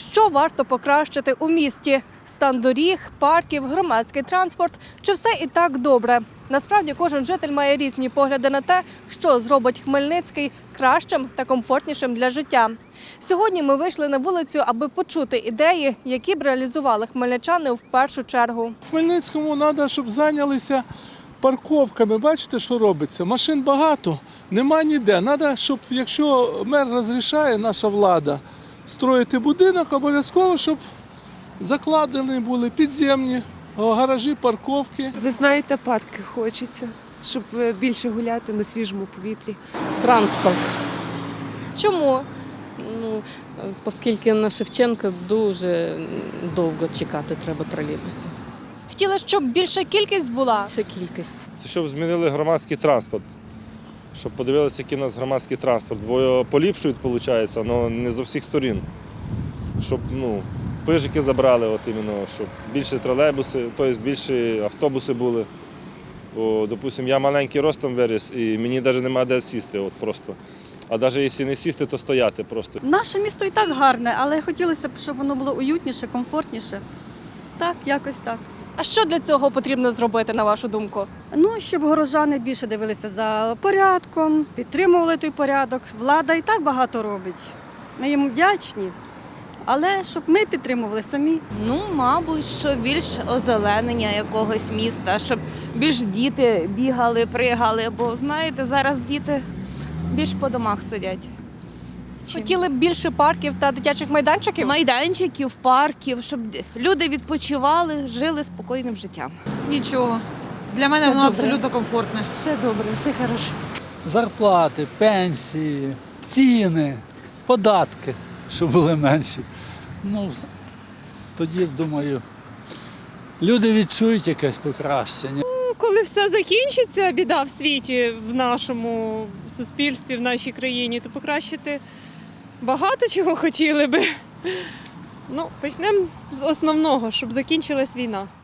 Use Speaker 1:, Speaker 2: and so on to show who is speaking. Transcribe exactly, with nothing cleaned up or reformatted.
Speaker 1: Що варто покращити у місті? Стан доріг, парків, громадський транспорт – чи все і так добре? Насправді кожен житель має різні погляди на те, що зробить Хмельницький кращим та комфортнішим для життя. Сьогодні ми вийшли на вулицю, аби почути ідеї, які б реалізували хмельничани в першу чергу.
Speaker 2: Хмельницькому треба, щоб зайнялися парковками. Бачите, що робиться? Машин багато, нема ніде. Треба, щоб, якщо мер розрішає, наша влада, строїти будинок, обов'язково, щоб закладені були підземні гаражі, парковки.
Speaker 3: Ви знаєте, парки хочеться, щоб більше гуляти на свіжому повітрі.
Speaker 4: Транспорт.
Speaker 1: Чому?
Speaker 4: Ну, оскільки на Шевченка дуже довго чекати треба тролейбуси.
Speaker 1: Хотіли, щоб більша кількість була?
Speaker 4: Ще кількість.
Speaker 5: Це щоб змінили громадський транспорт, щоб подивилися, який у нас громадський транспорт, бо його поліпшують, виходить, але не з усіх сторін. Щоб ну, пижики забрали, от іменно, щоб більше тролейбуси, тобто більше автобуси були. Бо, допустимо, я маленький ростом виріс і мені навіть немає де сісти, от просто. А навіть якщо не сісти, то стояти просто.
Speaker 6: Наше місто і так гарне, але хотілося б, щоб воно було уютніше, комфортніше. Так, якось так.
Speaker 1: А що для цього потрібно зробити, на вашу думку?
Speaker 6: Ну, щоб горожани більше дивилися за порядком, підтримували той порядок. Влада і так багато робить. Ми їм вдячні, але щоб ми підтримували самі.
Speaker 7: Ну, мабуть, що більш озеленення якогось міста, щоб більш діти бігали, пригали, бо, знаєте, зараз діти більш по домах сидять. Чим?
Speaker 1: Хотіли б більше парків та дитячих майданчиків?
Speaker 7: Майданчиків, парків, щоб люди відпочивали, жили спокійним життям.
Speaker 8: Нічого. Для мене воно абсолютно комфортне.
Speaker 4: Все добре, все хорошо.
Speaker 9: Зарплати, пенсії, ціни, податки, щоб були менші. Ну, тоді, думаю, люди відчують якесь покращення.
Speaker 10: Коли все закінчиться, біда в світі, в нашому суспільстві, в нашій країні, то покращити багато чого хотіли би. Ну, почнемо з основного, щоб закінчилась війна.